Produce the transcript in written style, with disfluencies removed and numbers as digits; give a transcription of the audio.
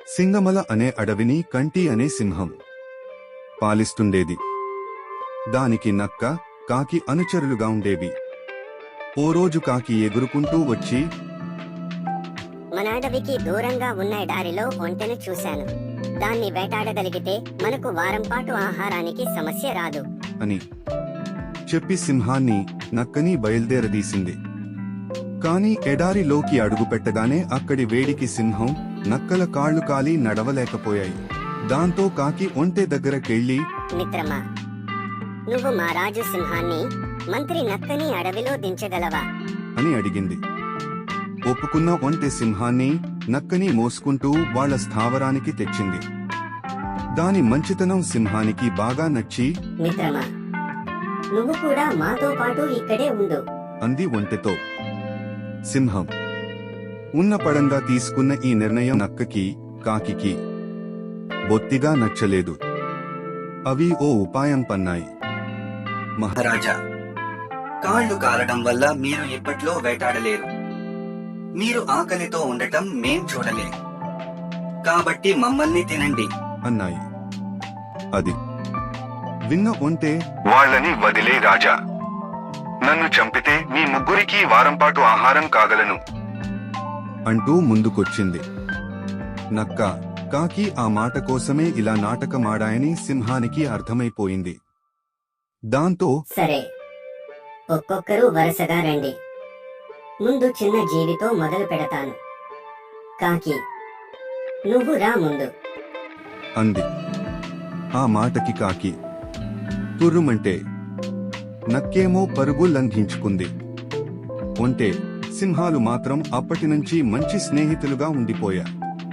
సింగమల అనే అడవిని కంటి అనే సింహం పాలిస్తుండేది. దానికి నక్క, కాకి అనుచరులుగా ఉండేవి. ఓ రోజు కాకి ఎగురుకుంటూ వచ్చి, మన అడవికి దూరంగా ఉన్న ఎడారిలో ఒంటెను చూశాను. దాన్ని వేటాడగలిగితే మనకు వారం పాటు ఆహారానికి సమస్య రాదు అని చెప్పి సింహాన్ని, నక్కని బయల్దేరదీసింది. కాని ఎడారిలోకి అడుగుపెట్టగానే అక్కడి వేడికి సింహం, నక్కల కాళ్లు కాలి నడవలేకపోయాయి. దాంతో కాకి ఒంటె దగ్గరకెళ్లి, మిత్రమా, నువ్వు మా రాజు సింహాన్ని, మంత్రి నక్కని అడవిలో దించగలవా అని అడిగింది. ఒప్పుకున్న ఒంటె సింహాన్ని, నక్కని మోసుకుంటూ వాళ్ల స్థావరానికి తెచ్చింది. దాని మంచితనం సింహానికి బాగా నచ్చి, మిత్రమా, నువ్వు కూడా మాతో పాటు ఇక్కడే ఉండు అంది ఒంటెతో. సింహం ఉన్న పడంగా తీసుకున్న ఈ నిర్ణయం నక్కకి, కాకికి బొత్తిగా నచ్చలేదు. అవి ఓ ఉపాయం పన్నాయి. మహారాజా, కాళ్లు కాలడం వల్ల మీరు ఇప్పట్లో వేటాడలేరు. మీరు ఆకలితో ఉండటం మేం చూడలేం. కాబట్టి మమ్మల్ని తినండి అన్నాయి. అది విన్న ఒంటె, వాళ్ళని వదిలే రాజా. నన్ను చంపితే మీ ముగ్గురికి వారంపాటు ఆహారం కాగలను అంటూ ముందుకొచ్చింది. నక్క, కాకి ఆ మాట కోసమే ఇలా నాటకమాడాయని సింహానికి అర్థమైపోయింది. దాంతో, సరే, ఒక్కొక్కరు వరుసగా రండి. ముందు చిన్న జీవితో మొదలు పెడతాను. కాకి, నువ్వు రా ముందు అంది. ఆ మాటకి కాకి తుర్రుమంటే, నక్కేమో పరుగు లంఘించుకుంది. ఒంటె, సింహాలు మాత్రం అప్పటినుంచి మంచి స్నేహితులుగా ఉండిపోయా.